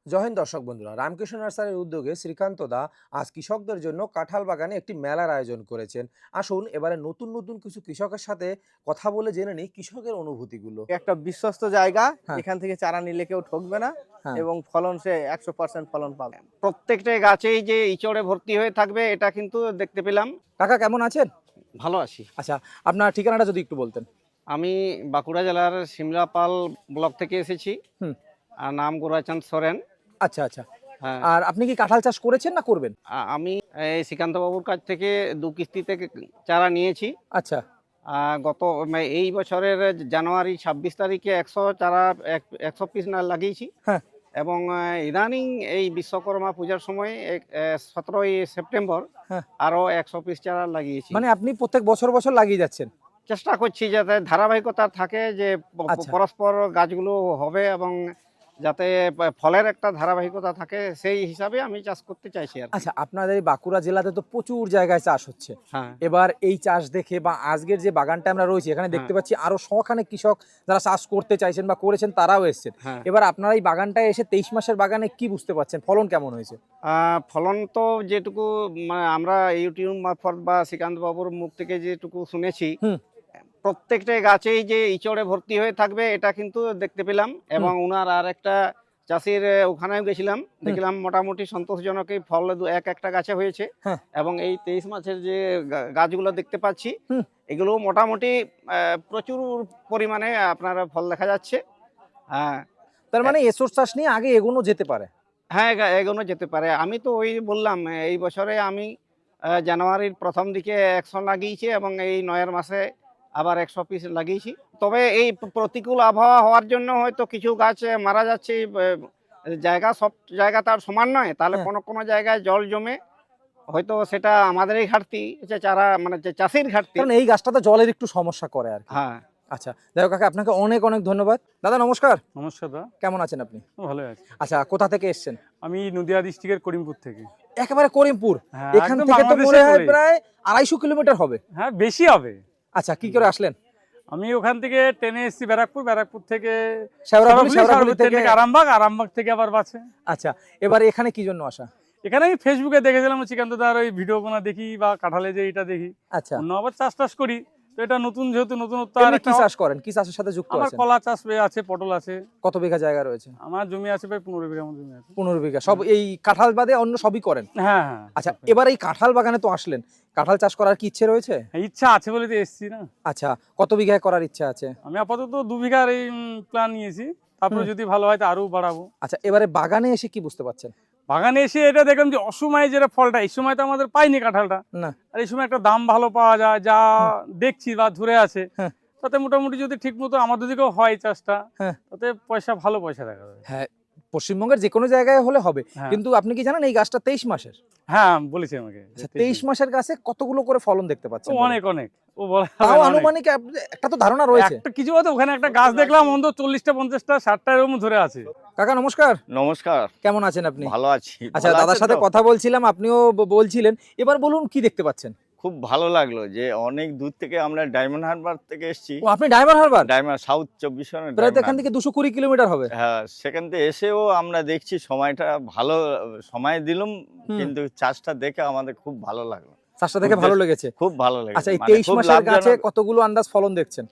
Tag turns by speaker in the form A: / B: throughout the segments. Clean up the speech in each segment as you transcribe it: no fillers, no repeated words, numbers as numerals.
A: জয় হিন্দ দর্শক বন্ধুরা, রামকৃষ্ণ নার্সারির উদ্যোগে শ্রীকান্ত দা আজ কৃষকদের জন্য কাঁঠাল বাগানে একটি মেলার আয়োজন করেছেন। আসুন এবারে নতুন নতুন কিছু কৃষকের সাথে কথা বলে জেনে নিই কৃষকের অনুভূতিগুলো।
B: একটা বিশ্বস্ত জায়গা,
A: হ্যাঁ।
B: এখান থেকে চারা নিলে কেউ ঠকবে না
A: হ্যাঁ।
B: এবং ফলন সে 100% ফলন পাবে।
C: প্রত্যেকটা গাছেই যে ইচড়ে ভর্তি হয়ে থাকবে এটা কিন্তু দেখতে পেলাম।
A: কাকা কেমন আছেন?
C: ভালো আছি।
A: আচ্ছা, আপনার ঠিকানাটা যদি একটু বলতেন।
C: আমি বাঁকুড়া জেলার সিমলাপাল ব্লক থেকে এসেছি।
A: হুম।
C: আর নাম গোরাচাঁদ সোরেন।
A: আচ্ছা আচ্ছা।
C: হ্যাঁ,
A: আর আপনি কি কাঁঠাল চাষ করেছেন না করবেন?
C: আমি এই শ্রীকান্ত বাবুর কাছ থেকে 2 কিস্তিতে চারা নিয়েছি।
A: আচ্ছা।
C: গত এই বছরের জানুয়ারি 26 তারিখে 100 চারা 100 পিস না লাগিয়েছি।
A: হ্যাঁ।
C: এবং ইদানিং এই বিশ্বকর্মা পূজার সময় 17ই সেপ্টেম্বর
A: হ্যাঁ।
C: আরো 100 পিস চারা লাগিয়েছি।
A: মানে আপনি প্রত্যেক বছর বছর লাগিয়ে যাচ্ছেন?
C: চেষ্টা করছি যাতে ধারাবাহিকতা থাকে, যে
A: আচ্ছা।
C: পরস্পর গাছগুলো হবে এবং যাতে ফলের একটা ধারাবাহিকতা থাকে, সেই হিসাবে আমি চাষ করতে চাইছি আর কি।
A: আচ্ছা, আপনাদের এই বাঁকুড়া জেলাতে তো প্রচুর জায়গায় চাষ হচ্ছে।
C: হ্যাঁ,
A: এবার এই চাষ দেখে বা আজকের যে বাগানটা আমরা রয়েছি এখানে দেখতে পাচ্ছি আরো শখানেক কৃষক যারা চাষ করতে চাইছেন বা করেছেন তারাও এসেছেন।
C: হ্যাঁ।
A: এবার আপনারা এই বাগানটায় এসে 23 মাসের বাগানে কি বুঝতে পারছেন, ফলন কেমন হয়েছে?
C: ফলন তো যেটুকু মানে আমরা ইউটিউব মারফত বা শ্রীকান্ত বাবুর মুখ থেকে যেটুকু শুনেছি,
A: হুম।
C: প্রত্যেকটা গাছেই যে ইচড়ে ভর্তি হয়ে থাকবে এটা কিন্তু দেখতে পেলাম। এবং উনার আর একটা চাষির ওখানেও গেছিলাম, দেখলাম মোটামুটি সন্তোষজনকই ফল একটা গাছে হয়েছে।
A: হ্যাঁ।
C: এবং এই 23 মাসের যে গাছগুলো দেখতে পাচ্ছি,
A: হুম।
C: এগুলো মোটামুটি প্রচুর পরিমাণে আপনার ফল দেখা যাচ্ছে। হ্যাঁ,
A: তার মানে এসর চাষ নিয়ে আগে এগোনো যেতে পারে।
C: হ্যাঁ, এগোনো যেতে পারে। আমি তো ওই বললাম, এই বছরে আমি জানুয়ারির প্রথম দিকে 100 লাগিয়েছি এবং এই 9 মাসে আবার 100 পিস লাগিয়েছি। তবে এই প্রতিকূল আবহাওয়া হওয়ার জন্য হয়তো কিছু গাছ মারা যাচ্ছে। জায়গা সব জায়গা তার সমান নয়, তাহলে
A: হ্যাঁ।
C: কোনো কোনো জায়গায় জল জমে হয়তো সেটা আমাদেরই ঘাটতি, যে চারা মানে যে চাষির ঘাটতি।
A: কারণ এই গাছটাতে জলের একটু সমস্যা করে আর কি।
C: হ্যাঁ।
A: আচ্ছা, যাই হোক কাকা, আপনাকে অনেক অনেক ধন্যবাদ। দাদা নমস্কার।
D: নমস্কার দা,
A: কেমন আছেন আপনি?
D: ভালো আছি।
A: আচ্ছা, কোথা থেকে এসেছেন?
D: আমি নদিয়া ডিস্ট্রিক্টের করিমপুর থেকে।
A: একেবারে করিমপুর?
D: হ্যাঁ,
A: এখান
D: একদম
A: থেকে তো
D: বাংলাদেশের
A: মনে হয়
D: কোলে।
A: প্রায় 250 কিলোমিটার হবে।
D: হ্যাঁ, বেশি হবে।
A: আচ্ছা, কি করে আসলেন?
D: আমি ওখান থেকে ট্রেনে এসেছি ব্যারাকপুর থেকে
A: শেওড়াফুলি থেকে
D: আরামবাগ থেকে আবার বাসে।
A: আচ্ছা, এবার এখানে কি জন্য আসা?
D: এখানে আমি ফেসবুকে দেখেছিলাম শ্রীকান্ত দার ওই ভিডিও গুলো দেখি বা কাঁঠালে যে এটা দেখি।
A: আচ্ছা,
D: অন্য আবার চাষ করি, তো এটা নতুন যেহেতু নতুনত্ব। আর
A: এমনি কি চাষ করেন? কি চাষের সাথে যুক্ত
D: আমার
A: আছেন?
D: কলা চাষ আছে, পটল আছে।
A: কত বিঘা জায়গা রয়েছে?
D: আমার জমি আছে প্রায় 15 বিঘা মতো জমি আছে।
A: 15 বিঘা। সব এই কাঁঠাল বাদে অন্য সবই করেন?
D: হ্যাঁ হ্যাঁ।
A: আচ্ছা, এবার এই কাঁঠাল বাগানে তো আসলেন, কাঁঠাল চাষ করার কি ইচ্ছে রয়েছে?
D: ইচ্ছা আছে বলে তো এসেছি না।
A: আচ্ছা, কত বিঘায় করার ইচ্ছা আছে?
D: আমি আপাতত 2 বিঘার এই প্ল্যান নিয়েছি, তারপরে যদি ভালো হয় তো আরো বাড়াবো।
A: আচ্ছা, এবারে বাগানে এসে কি বুঝতে পারছেন?
D: বাগানে এসে এটা দেখলাম যে অসময়ে যেটা ফলটা, এই সময় তো আমাদের পাইনি কাঁঠালটা,
A: না।
D: আর এই সময় একটা দাম ভালো পাওয়া যায়, যা দেখছি বা ধরে আছে।
A: হ্যাঁ।
D: তাতে মোটামুটি যদি ঠিক মতো আমাদের দিকেও হয় চাষটা,
A: হ্যাঁ।
D: তাতে ভালো পয়সা দেখা যাবে।
A: হ্যাঁ, পশ্চিমবঙ্গের যে কোনো জায়গায় হলে হবে।
D: হ্যাঁ।
A: কিন্তু আপনি কি জানেন এই গাছটা 23 মাসের?
D: হ্যাঁ, বলেছে আমাকে।
A: আচ্ছা, 23 মাসের গাছে কতগুলো করে ফলন দেখতে পাচ্ছেন?
D: অনেক অনেক। ও বলা
A: তাও
D: যাবে না, অনেক।
A: আনুমানিক একটা তো ধারণা রয়েছে।
D: একটা কিছু হয়তো ওখানে একটা গাছ দেখলাম অন্তত 40টা 50টা 60টা এরকম ধরে আছে।
A: কাকা নমস্কার।
E: নমস্কার,
A: কেমন আছেন আপনি?
E: ভালো আছি।
A: আচ্ছা,
E: ভালো
A: দাদার
E: আছেন
A: সাথে
E: তো?
A: কথা বলছিলাম, আপনিও বলছিলেন। এবার বলুন কি দেখতে পাচ্ছেন?
E: খুব ভালো লাগলো যে অনেক দূর থেকে আমরা ডায়মন্ড হারবার থেকে এসেছি।
A: ও, আপনি ডায়মন্ড হারবার?
E: ডায়মন্ড সাউথ 24 পরগনা
A: প্রায় তো এখান থেকে 220 কিলোমিটার হবে।
E: হ্যাঁ, সেখান থেকে এসেও আমরা দেখছি সময়টা ভালো সময় দিলাম, কিন্তু চাষটা দেখে আমাদের খুব ভালো লাগলো।
A: চাষটা দেখে ভালো লেগেছে?
E: খুব ভালো লেগেছে।
A: আচ্ছা, এই
E: মানে
A: 23
E: খুব
A: মাসের গাছে
E: লাভজনক।
A: কতগুলো আন্দাজ ফলন দেখছেন?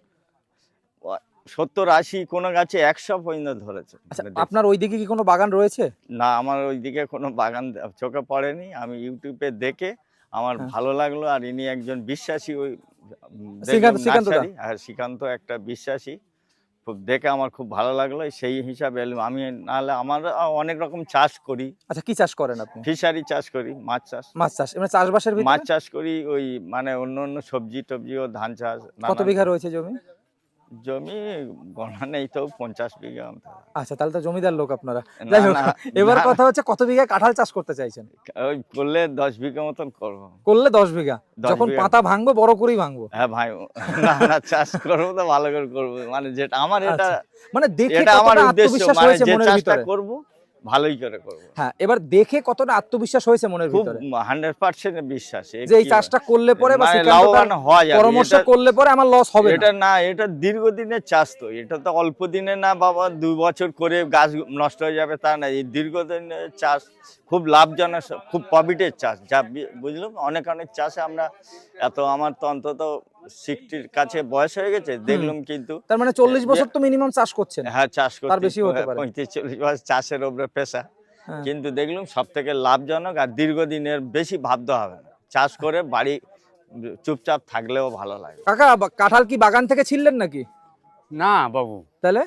E: 70-80 কোন গাছে 100 পর্যন্ত ধরেছে।
A: আচ্ছা,
E: মানে দেখছি।
A: আপনার ওইদিকে কি কোনো বাগান রয়েছে?
E: না, আমার ওইদিকে কোনো বাগান চোখে পড়েনি। আমি ইউটিউবে দেখে আমার
A: হ্যাঁ।
E: ভালো লাগলো। আর ইনি একজন বিশ্বাসী, ওই
A: শ্রীকান্ত দা।
E: আর শ্রীকান্ত একটা বিশ্বাসী, খুব দেখে আমার খুব ভালো লাগলো। সেই হিসাবে এলাম। আমি নাহলে আমার অনেক রকম চাষ করি,
A: আচ্ছা, কি চাষ করেন আপনি?
E: ফিশারি চাষ করি, মাছ চাষ।
A: মাছ চাষ, মানে চাষবাসের
E: মাছ
A: ভিতরে?
E: চাষ করি, ওই মানে অন্য অন্য সবজি টবজি ও ধান চাষ।
A: কত বিঘা রয়েছে জমি?
E: জমি গণনা নেই তো, 50 বিঘা মতো।
A: আচ্ছা, তাহলে তো জমিদার লোক আপনারা।
E: না,
A: যাই হোক,
E: না,
A: এবার
E: না।
A: কথা হচ্ছে কত বিঘা কাঁঠাল চাষ করতে চাইছেন?
E: ওই করলে 10 বিঘা মতন করবো।
A: করলে 10 বিঘা।
E: 10
A: যখন
E: বিঘা।
A: পাতা ভাঙবো বড় করেই ভাঙবো।
E: হ্যাঁ ভাই, না না, চাষ করবো তো ভালো করে করবো। মানে যেটা আমার এটা
A: আচ্ছা, মানে দেখে
E: এটা আমার
A: কতটা
E: উদ্দেশ্য,
A: আত্মবিশ্বাস
E: মানে
A: হয়েছে
E: যে
A: মনের
E: চাষটা
A: ভিতরে?
E: করব ভালোই করে করবো।
A: হ্যাঁ, এবার দেখে কতটা আত্মবিশ্বাস হয়েছে মনের
E: খুব
A: ভিতরে
E: 100% বিশ্বাস
A: যে এই চাষটা করলে পরে বা
E: মানে
A: শ্রীকান্ত
E: লাভবান
A: দার
E: হওয়া যাবে।
A: পরামর্শ
E: এটা-
A: করলে পরে আমার লস হবে না।
E: এটা না, এটা দীর্ঘদিনের চাষ, তো এটা তো অল্প দিনে না বাবা 2 বছর করে গাছ নষ্ট হয়ে যাবে তা না। এই দীর্ঘদিনের চাষ, খুব লাভজনক, খুব প্রফিটের চাষ, যা বুঝলাম। অনেক চাষে আমরা এত, আমার তো অন্তত 60-র কাছে বয়স হয়ে গেছে, দেখলাম কিন্তু
A: তার মানে 40 বছর তো মিনিমাম চাষ করছেন।
E: হ্যাঁ চাষ করতে
A: তার বেশি হতে পারে।
E: 35-40 বছর চাষের উপরে পেশা,
A: হ্যাঁ।
E: কিন্তু দেখলাম সব থেকে লাভজনক আর দীর্ঘদিনের, বেশি ভাবতে হবে না। চাষ করে বাড়ি চুপচাপ থাকলেও ভালো লাগে।
A: কাকা, কাঁঠাল কি বাগান থেকে ছিললেন নাকি?
F: না বাবু,
A: তাহলে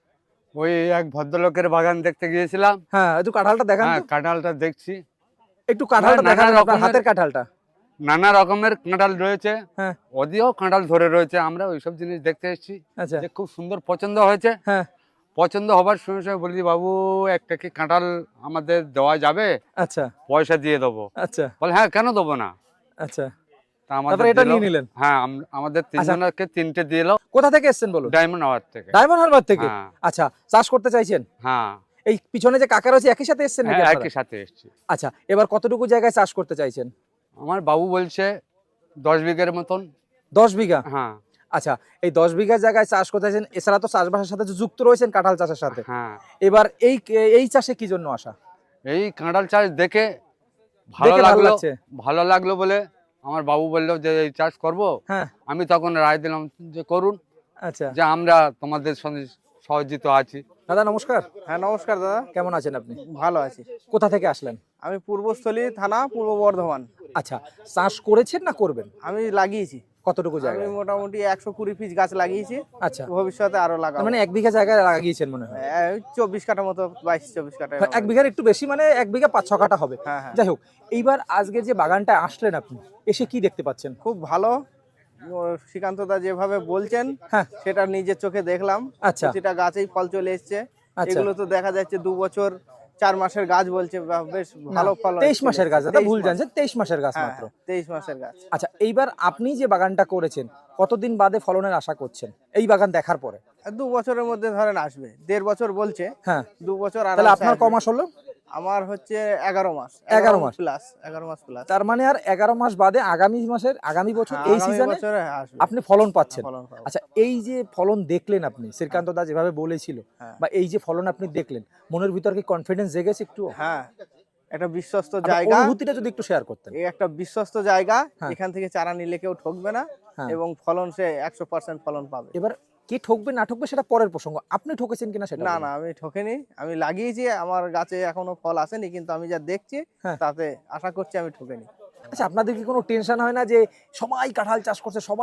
F: ওই এক ভদ্রলোকের বাগান দেখতে গিয়েছিলাম।
A: হ্যাঁ, একটু কাঁঠালটা দেখান
F: হ্যাঁ,
A: তো।
F: কাঁঠালটা দেখছি,
A: একটু কাঁঠালটা
F: নানা
A: দেখান, আপনার
F: রকমের-
A: হাতের কাঁঠালটা।
F: নানা রকমের কাঁঠাল রয়েছে,
A: হ্যাঁ।
F: ওদিকেও কাঁঠাল ধরে রয়েছে। আমরা ওইসব জিনিস দেখতে এসেছি,
A: আচ্ছা।
F: যে খুব সুন্দর পছন্দ হয়েছে।
A: হ্যাঁ।
F: পছন্দ হবার সঙ্গে সঙ্গে বলি, বাবু একটা কি কাঁঠাল আমাদের দেওয়া যাবে?
A: আচ্ছা
F: পয়সা দিয়ে দেবো।
A: আচ্ছা
F: বলে হ্যাঁ, কেন দেবো না।
A: আচ্ছা,
F: তা আমাদের
A: তারপরে এটা
F: দিলো।
A: নিয়ে নিলেন।
F: হ্যাঁ, আমাদের তিনজনকে 3টে দিল।
A: কোথা থেকে এসেছেন বলুন?
F: ডায়মন্ড হাওয়ার থেকে।
A: ডায়মন্ড হারবার থেকে।
F: হ্যাঁ
A: আচ্ছা, চাষ করতে চাইছেন?
F: হ্যাঁ,
A: এই পিছনে যে কাকা রয়েছে একই সাথে এসেছেন নাকি
F: হ্যাঁ,
A: আপনারা?
F: একই সাথে এসেছি।
A: আচ্ছা, এবার কতটুকু জায়গায় চাষ করতে চাইছেন?
F: আমার বাবু বলছে 10 বিঘের মতন।
A: 10 বিঘা।
F: হ্যাঁ
A: আচ্ছা, এই 10 বিঘা জায়গায় চাষ করতে চাইছেন, এছাড়া তো চাষবাসের সাথে তো যুক্ত রয়েছেন কাঁঠাল চাষের সাথে।
F: হ্যাঁ,
A: এবার এই চাষে কি জন্য আসা?
F: এই কাঁঠাল চাষ দেখে ভালো
A: দেখে ভালো
F: লাগলো।
A: লাগছে।
F: ভালো লাগলো বলে আমার বাবু বললো যে এই চাষ করব।
A: হ্যাঁ।
F: আমি তখন রায় দিলাম যে করুন,
A: আচ্ছা
F: যে আমরা তোমাদের সঙ্গে সহযোগিত আছি।
A: দাদা, নমস্কার।
B: হ্যাঁ নমস্কার দাদা,
A: কেমন আছেন আপনি?
B: ভালো আছি।
A: কোথা থেকে আসলেন?
B: আমি পূর্বস্থলী থানা, পূর্ব বর্ধমান।
A: আচ্ছা, চাষ করেছেন না করবেন?
B: আমি লাগিয়েছি,
A: কতটুকু
B: আমি
A: জায়গায়?
B: মোটামুটি 120 পিস গাছ লাগিয়েছি।
A: আচ্ছা,
B: ভবিষ্যতে আরো
A: তার
B: লাগাবো।
A: মানে 1 বিঘা জায়গায় লাগিয়েছেন মনে হয়।
B: 24 কাঠা মতো, 22-24 কাঠা।
A: 1 বিঘার একটু বেশি, মানে 1 বিঘা 5-6 কাঠা হবে।
B: হ্যাঁ হ্যাঁ,
A: যাই হোক, এইবার আজকে যে বাগানটা আসলেন আপনি, এসে কি দেখতে পাচ্ছেন?
B: খুব ভালো। শ্রীকান্ত দা যেভাবে বলছেন
A: হ্যাঁ।
B: সেটা নিজের চোখে দেখলাম।
A: আচ্ছা
B: প্রতিটা গাছেই ফল চলে এসছে।
A: আচ্ছা।
B: এগুলো তো দেখা যাচ্ছে 2 বছর 4 মাসের গাছ বলছে, বেশ ভালো ফল।
A: 23 মাসের গাছ, দাদা ভুল জানছেন, 23 মাসের গাছ
B: হ্যাঁ,
A: মাত্র।
B: 23 মাসের গাছ।
A: আচ্ছা, এইবার আপনি যে বাগানটা করেছেন, কতদিন বাদে ফলনের আশা করছেন এই বাগান দেখার পরে?
B: 2 বছরের মধ্যে ধরেন আসবে। 1.5 বছর বলছে,
A: হ্যাঁ।
B: 2 বছর। আর
A: তাহলে আপনার ক মাস হলো?
B: আমার হচ্ছে 11 মাস।
A: 11 মাস
B: প্লাস, 11 মাস প্লাস।
A: তার মানে আর 11 মাস বাদে আগামী বছর এই সিজনে
B: আসবে
A: আপনি ফলন পাচ্ছেন।
B: ফলন পাবো।
A: আচ্ছা, এই যে ফলন দেখলেন আপনি, শ্রীকান্ত দা যেভাবে বলেছিল,
B: হ্যাঁ।
A: বা এই যে ফলন আপনি দেখলেন, মনের ভিতর কি কনফিডেন্স জেগেছে একটু?
B: হ্যাঁ, একটা বিশ্বস্ত
A: আপনার
B: জায়গা।
A: অনুভূতিটা যদি একটু শেয়ার করতেন।
B: এই একটা বিশ্বস্ত জায়গা,
A: হ্যাঁ।
B: এখান থেকে চারা নিলে কেউ ঠকবে না।
A: হ্যাঁ।
B: এবং ফলন সে 100% ফলন পাবে।
A: এবার কে ঠকবে না ঠকবে সেটা পরের প্রসঙ্গ, আপনি ঠকেছেন কিনা সেটা
B: না
A: বলুন।
B: না, আমি ঠকেনি। আমি লাগিয়েছি, আমার গাছে এখনো ফল আসেনি, কিন্তু আমি যা দেখছি
A: হ্যাঁ।
B: তাতে আশা করছি আমি ঠকেনি।
A: আচ্ছা, আপনাদের কি কোনো টেনশন হয় না যে সবাই কাঁঠাল চাষ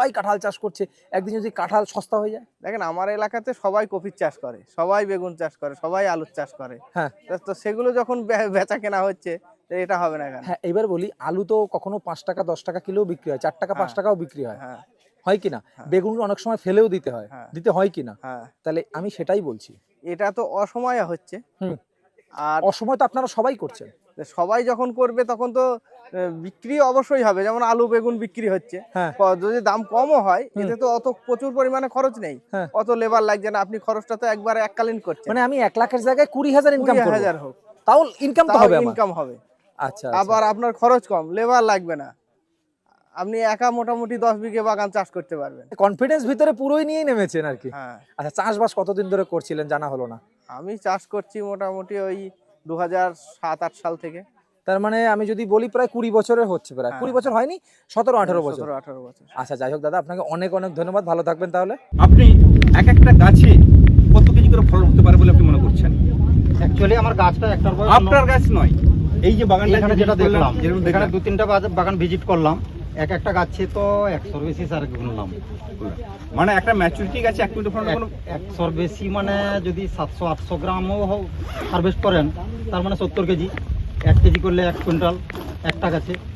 A: করছে, একদিন যদি কাঁঠাল সস্তা হয়ে যায়?
B: দেখেন, আমার এলাকাতে সবাই কপির চাষ করে, সবাই বেগুন চাষ করে, সবাই আলুর চাষ করে।
A: হ্যাঁ।
B: তো সেগুলো যখন বেচা কেনা হচ্ছে, তো এটা হবে না কেন?
A: হ্যাঁ, এবার বলি, আলু তো কখনো 5 টাকা 10 টাকা কিলো বিক্রি হয়, 4 টাকা 5 টাকাও বিক্রি হয়,
B: হ্যাঁ
A: হয় কিনা?
B: হ্যাঁ।
A: বেগুন অনেক সময় ফেলেও দিতে হয়,
B: হ্যাঁ।
A: দিতে হয় কিনা?
B: হ্যাঁ,
A: তাহলে আমি সেটাই বলছি,
B: এটা তো অসময়ে হচ্ছে।
A: হুম।
B: আর
A: অসময় তো আপনারা সবাই করছেন।
B: সবাই যখন করবে তখন তো বিক্রি অবশ্যই হবে। যেমন আলু বেগুন বিক্রি হচ্ছে,
A: হ্যাঁ।
B: যদি দাম কমও হয়,
A: হুম।
B: এতে তো অত প্রচুর পরিমাণে খরচ নেই,
A: হ্যাঁ।
B: অত লেবার লাগছে না। আপনি খরচটা তো একবারে এককালীন করছেন।
A: মানে আমি 1 লাখের জায়গায় 20,000 ইনকাম করব,
B: 20,000 হোক,
A: তাও ইনকাম তো
B: তাও
A: হবে আমার।
B: ইনকাম হবে।
A: আচ্ছা,
B: আবার আপনার খরচ কম, লেবার লাগবে না। আপনি একা মোটামুটি 10 বিঘে বাগান চাষ করতে পারবেন।
A: কনফিডেন্স ভিতরে পুরোই নিয়ে নেমেছেন আর কি।
B: হ্যাঁ,
A: আচ্ছা, চাষবাস কতদিন ধরে করছিলেন জানা হলো না?
B: আমি চাষ করছি মোটামুটি ওই 2007-8 সাল থেকে।
A: তার মানে আমি যদি বলি প্রায় 20 বছরের হচ্ছে, প্রায়
B: হ্যাঁ।
A: 20 বছর হয়নি, 17-18 বছর।
B: 17-18 বছর।
A: আচ্ছা, যাই হোক দাদা, আপনাকে অনেক অনেক ধন্যবাদ, ভালো থাকবেন তাহলে।
G: আপনি এক একটা গাছে কত কেজি করে ফল হতে পারে বলে আপনি মনে করছেন?
H: অ্যাকচুয়ালি আমার গাছটা একটার পর
G: আপনার গাছ নয়, এই যে বাগানটা
H: এখানে যেটা দেখলাম,
G: যেরকম
H: এখানে
G: দেখলাম।
H: 2-3টা বাগান ভিজিট করলাম, এক একটা গাছে তো 100-র বেশি স্যার গুনলাম।
G: মানে একটা ম্যাচুরিটি গাছে 1 কুইন্টাল ফল কোনো
H: 100-র বেশি মানে যদি 700-800 গ্রামও হারভেস্ট করেন, তার মানে 70 কেজি। 1 কেজি করলে 1 কুইন্টাল একটা গাছে।